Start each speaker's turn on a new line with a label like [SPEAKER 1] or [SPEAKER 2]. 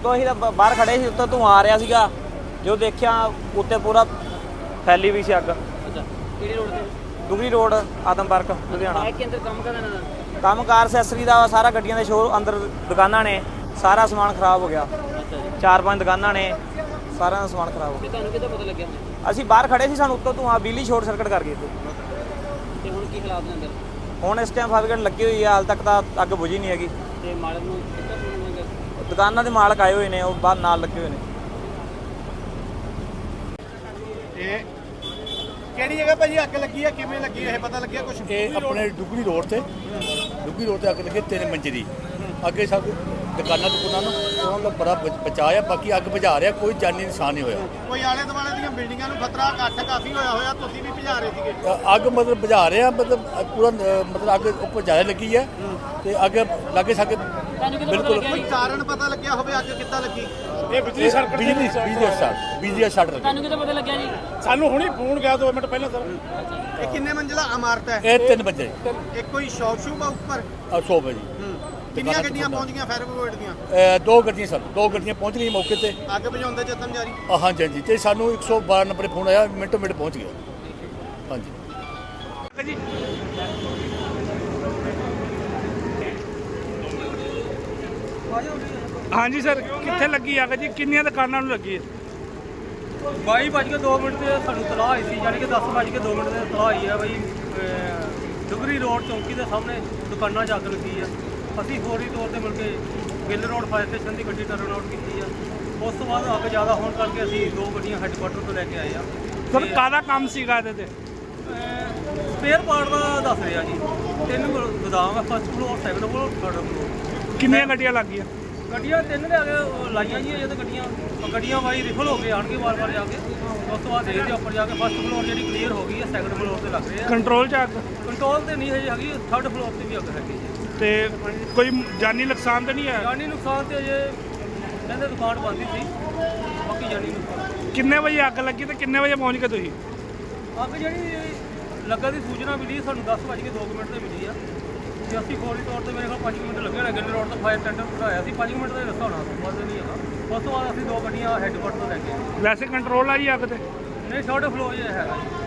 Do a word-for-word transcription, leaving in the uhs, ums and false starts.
[SPEAKER 1] ਉੱਤੋਂ ਅਸੀਂ ਤਾਂ ਬਾਹਰ ਖੜੇ ਸੀ, ਉੱਤੋਂ ਧੂੰਆਂ ਆ ਰਿਹਾ ਸੀਗਾ। ਜੋ ਦੇਖਿਆ ਉੱਤੇ ਪੂਰਾ ਫੈਲੀ ਵੀ ਸੀ ਅੱਗ।
[SPEAKER 2] ਅੱਛਾ, ਕਿਹੜੀ ਰੋਡ ਤੇ?
[SPEAKER 1] ਦੁਗਰੀ ਰੋਡ, ਆਦਮਪਰਕ, ਲੁਧਿਆਣਾ।
[SPEAKER 2] ਬਾਈਕ ਕੇ ਅੰਦਰ ਕੰਮ ਕਰਦਾ ਇਹਨਾਂ ਦਾ?
[SPEAKER 1] ਕੰਮ ਕਾਰ ਅਸੈਸਰੀ ਦਾ ਸਾਰਾ, ਗੱਡੀਆਂ ਦੇ ਸ਼ੋਰ ਅੰਦਰ ਦੁਕਾਨਾਂ ਨੇ, ਸਾਰਾ ਸਮਾਨ ਖਰਾਬ ਹੋ ਗਿਆ।
[SPEAKER 2] ਅੱਛਾ ਜੀ।
[SPEAKER 1] ਚਾਰ ਪੰਜ ਦੁਕਾਨਾਂ ਨੇ, ਸਾਰਾ ਦਾ ਸਮਾਨ ਖਰਾਬ ਹੋ ਗਿਆ।
[SPEAKER 2] ਤੁਹਾਨੂੰ ਕਿੱਦਾਂ ਪਤਾ ਲੱਗਿਆ?
[SPEAKER 1] ਅਸੀਂ ਬਾਹਰ ਖੜੇ ਸੀ, ਸਾਨੂੰ ਉੱਤੋਂ ਧੂੰਆਂ, ਬਿਜਲੀ ਸ਼ੋਰਟ ਸਰਕਟ ਕਰ ਗਈ।
[SPEAKER 2] ਤੇ ਹੁਣ ਕੀ ਹਾਲਾਤ ਨੇ ਅੰਦਰ?
[SPEAKER 1] ਹੁਣ ਇਸ ਟਾਈਮ ਫਾਇਰ ਲੱਗੀ ਹੋਈ ਹੈ, ਹਾਲ ਤੱਕ ਤਾਂ ਅੱਗ ਬੁਝੀ ਨਹੀਂ ਹੈਗੀ।
[SPEAKER 2] ਤੇ ਮਾਲਕ ਨੂੰ ਕਿੱਦਾਂ ਫੋਨ ਹੋਏਗਾ?
[SPEAKER 1] ਦੁਕਾਨਾਂ ਦੇ ਮਾਲਕ ਆਏ ਹੋਏ ਨੇ, ਉਹ ਬਾਹਰ ਨਾਲ ਲੱਗੇ ਹੋਏ ਨੇ।
[SPEAKER 3] ਇਹ ਕਿਹੜੀ ਜਗ੍ਹਾ ਭਾਜੀ ਅੱਗ ਲੱਗੀ ਹੈ, ਕਿਵੇਂ ਲੱਗੀ ਇਹ ਪਤਾ ਲੱਗਿਆ ਕੁਝ?
[SPEAKER 4] ਇਹ ਆਪਣੇ ਡੁਗਰੀ ਰੋਡ ਤੇ ਡੁਗਰੀ ਰੋਡ ਤੇ ਅੱਗ ਲੱਗੀ ਤਿੰਨ ਮੰਜ਼ਲੀ। ਅੱਗੇ ਸਭ ਦੁਕਾਨਾਂ ਦੁਕਾਨਾਂ ਨੂੰ ਉਹਨਾਂ ਦਾ ਬੜਾ ਬ- ਬਚਾਅ ਆ। ਬਾਕੀ ਅੱਗ ਬੁਝਾ ਰਿਹਾ, ਕੋਈ ਜਾਨੀ ਨੁਕਸਾਨ ਨਹੀਂ ਹੋਇਆ।
[SPEAKER 3] ਕੋਈ ਆਲੇ ਦੁਆਲੇ ਦੀਆਂ ਬਿਲਡਿੰਗਾਂ ਨੂੰ ਖਤਰਾ ਘੱਟ ਕਾਫੀ ਹੋਇਆ ਹੋਇਆ, ਤੁਸੀਂ ਵੀ ਭਜਾ ਰਹੇ ਸੀਗੇ?
[SPEAKER 4] ਅ- ਅੱਗ ਮਤਲਬ ਬੁਝਾ ਰਿਹਾ, ਮਤਲਬ ਪੂਰਾ ਅ, ਮਤਲਬ ਅੱਗ ਉੱਪਰ ਜ਼ਿਆਦਾ ਲੱਗੀ ਹੈ ਤੇ ਅੱਗ ਲਾਗੇ ਸਾਗੇ
[SPEAKER 2] ਤੁਹਾਨੂੰ ਕਿੱਦਾਂ ਪਤਾ
[SPEAKER 4] ਬਿਲਕੁਲ
[SPEAKER 2] ਲੱਗਿਆ
[SPEAKER 3] ਕੋਈ
[SPEAKER 2] ਜੀ?
[SPEAKER 3] ਕਾਰਨ ਪਤਾ ਲੱਗਿਆ ਹੋਵੇ ਅੱਗ ਕਿੱਦਾਂ ਲੱਗੀ?
[SPEAKER 4] ਇਹ ਬਿਜਲੀ ਸਰਕਟ ਬਿਜਲੀ ਬਿਜਲੀ ਦਾ ਸ਼ਾਰਟ ਬਿਜਲੀ ਦਾ ਸ਼ਾਰਟ ਲੱਗਾ।
[SPEAKER 2] ਤੁਹਾਨੂੰ ਕਿੱਦਾਂ ਪਤਾ ਲੱਗਿਆ ਜੀ?
[SPEAKER 3] ਸਾਨੂੰ ਹੁਣੀ ਫੋਨ ਗਿਆ ਦੋ ਮਿੰਟ ਪਹਿਲਾਂ ਸਰ। ਇਹ ਕਿੰਨੇ ਮੰਜ਼ਿਲਾ ਇਮਾਰਤ ਹੈ?
[SPEAKER 4] ਇਹ ਤਿੰਨ ਵਜੇ
[SPEAKER 3] ਇੱਕ ਕੋਈ ਸ਼ੌਪ ਸ਼ੂਪ ਆ ਉੱਪਰ?
[SPEAKER 4] ਸੌ ਵਜੇ
[SPEAKER 3] ਕਿੰਨੀਆਂ ਗੱਡੀਆਂ ਪਹੁੰਚ ਗਈਆਂ ਫਾਇਰ ਬ੍ਰਿਗੇਡ ਦੀਆਂ?
[SPEAKER 4] ਅ, ਦੋ ਗੱਡੀਆਂ ਸਰ ਦੋ ਗੱਡੀਆਂ ਪਹੁੰਚ ਗਈਆਂ ਮੌਕੇ ਤੇ।
[SPEAKER 3] ਅੱਗ ਬੁਝਾਉਣ ਦੇ ਯਤਨ ਜਾਰੀ?
[SPEAKER 4] ਅ, ਹਾਂਜੀ ਹਾਂਜੀ ਤੇ ਸਾਨੂੰ ਇੱਕ ਸੌ ਬਾਰਾਂ ਨੰਬਰ ਫੋਨ ਆਇਆ, ਮਿੰਟੋ ਮਿੰਟ ਪਹੁੰਚ ਗਿਆ। ਹਾਂਜੀ
[SPEAKER 5] ਹਾਂਜੀ ਸਰ, ਕਿੱਥੇ ਲੱਗੀ ਅੱਗ ਜੀ? ਕਿੰਨੀਆਂ ਦੁਕਾਨਾਂ ਨੂੰ ਲੱਗੀ ਹੈ?
[SPEAKER 6] ਬਾਈ ਵੱਜ ਕੇ ਦੋ ਮਿੰਟ ਤੇ ਸਾਨੂੰ ਤਲਾਹ ਆਈ ਸੀ, ਯਾਨੀ ਕਿ ਦਸ ਵੱਜ ਕੇ ਦੋ ਮਿੰਟ ਤੇ ਤਲਾਹ ਆਈ ਹੈ ਬਈ ਡੁਗਰੀ ਰੋਡ ਚੌਂਕੀ ਦੇ ਸਾਹਮਣੇ ਦੁਕਾਨਾਂ 'ਚ ਅੱਗ ਲੱਗੀ ਆ। ਅਸੀਂ ਫੌਰੀ ਤੌਰ ਤੇ ਮਿਲ ਕੇ ਗਿੱਲ ਰੋਡ ਫਾਇਰ ਸਟੇਸ਼ਨ ਦੀ ਗੱਡੀ ਟਰਨ ਆਊਟ ਕੀਤੀ ਆ। ਉਸ ਤੋਂ ਬਾਅਦ ਅੱਗ ਜ਼ਿਆਦਾ ਹੋਣ ਕਰਕੇ ਅਸੀਂ ਦੋ ਗੱਡੀਆਂ ਹੈੱਡਕੁਆਟਰ ਤੋਂ ਲੈ ਕੇ ਆਏ ਆ।
[SPEAKER 5] ਸਰ ਕਾਹਦਾ ਕੰਮ ਸੀਗਾ ਇਹਦੇ ਤੇ?
[SPEAKER 6] ਸਪੇਅਰ ਪਾਰਟ ਦਾ ਦੱਸ ਰਿਹਾ ਜੀ। ਤਿੰਨ ਗੋਦਾਮ ਆ, first floor, second floor, third floor.
[SPEAKER 5] ਕਿੰਨੀਆਂ ਗੱਡੀਆਂ ਲੱਗੀਆਂ?
[SPEAKER 6] ਗੱਡੀਆਂ ਤਿੰਨ ਲਿਆ ਕੇ ਲਾਈਆਂ ਜੀ, ਜਦੋਂ ਗੱਡੀਆਂ ਗੱਡੀਆਂ ਵਾਈ ਰਿਫਲ ਹੋ ਕੇ ਆਣਗੇ ਵਾਰ-ਵਾਰ ਜਾ ਕੇ। ਉਸ ਤੋਂ ਬਾਅਦ ਦੇਖਦੇ ਉੱਪਰ ਜਾ ਕੇ ਫਸਟ ਫਲੋਰ ਜਿਹੜੀ ਕਲੀਅਰ ਹੋ ਗਈ ਹੈ, ਸੈਕੰਡ ਫਲੋਰ ਤੇ ਲੱਗ ਰਹੇ ਆ।
[SPEAKER 5] ਕੰਟਰੋਲ 'ਚ ਅੱਗ?
[SPEAKER 6] ਕੰਟਰੋਲ ਤੇ ਨਹੀਂ ਹਜੇ ਹੈਗੀ, ਥਰਡ ਫਲੋਰ ਤੇ ਵੀ ਅੱਗ ਹੈਗੀ ਜੀ।
[SPEAKER 5] ਤੇ ਕੋਈ ਜਾਨੀ ਨੁਕਸਾਨ ਤਾਂ ਨਹੀਂ ਹੈ?
[SPEAKER 6] ਜਾਨੀ ਨੁਕਸਾਨ ਤੇ ਅਜੇ ਕਹਿੰਦੇ ਦੁਕਾਨ ਬੰਦ ਹੀ ਸੀ, ਬਾਕੀ ਜਾਨੀ ਨੁਕਸਾਨ।
[SPEAKER 5] ਕਿੰਨੇ ਵਜੇ ਅੱਗ ਲੱਗੀ ਤੇ ਕਿੰਨੇ ਵਜੇ ਪਹੁੰਚ ਗਏ ਤੁਸੀਂ?
[SPEAKER 6] ਅੱਗ ਜਿਹੜੀ ਲੱਗਾ ਦੀ ਸੂਚਨਾ ਮਿਲੀ ਸਾਨੂੰ ਦਸ ਵੱਜ ਕੇ ਦੋ ਮਿੰਟ ਤੇ ਮਿਲੀ ਆ ਤੇ ਅਸੀਂ ਫੌਰੀ ਤੌਰ ਤੇ ਮੇਰੇ ਕੋਲ ਪੰਜ ਮਿੰਟ ਲੱਗੇ ਹੋਣੇ। ਗਿੱਲ ਰੋਡ ਤੋਂ ਫਾਇਰ ਟੈਂਡਰ ਕਢਾਇਆ ਸੀ, ਪੰਜ ਮਿੰਟ ਦਾ ਰਸਤਾ ਹੋਣਾ, ਵੱਧ ਨਹੀਂ ਹੈਗਾ। ਉਸ ਤੋਂ ਬਾਅਦ ਅਸੀਂ ਦੋ ਗੱਡੀਆਂ ਹੈੱਡਕੁਆਟਰ ਤੋਂ ਲੈ ਕੇ ਆਏ।
[SPEAKER 5] ਵੈਸੇ ਕੰਟਰੋਲ ਆ ਜੀ ਅੱਗ ਤੇ?
[SPEAKER 6] ਨਹੀਂ, ਥਰਡ ਫਲੋਰ 'ਚ ਹੈਗਾ ਜੀ।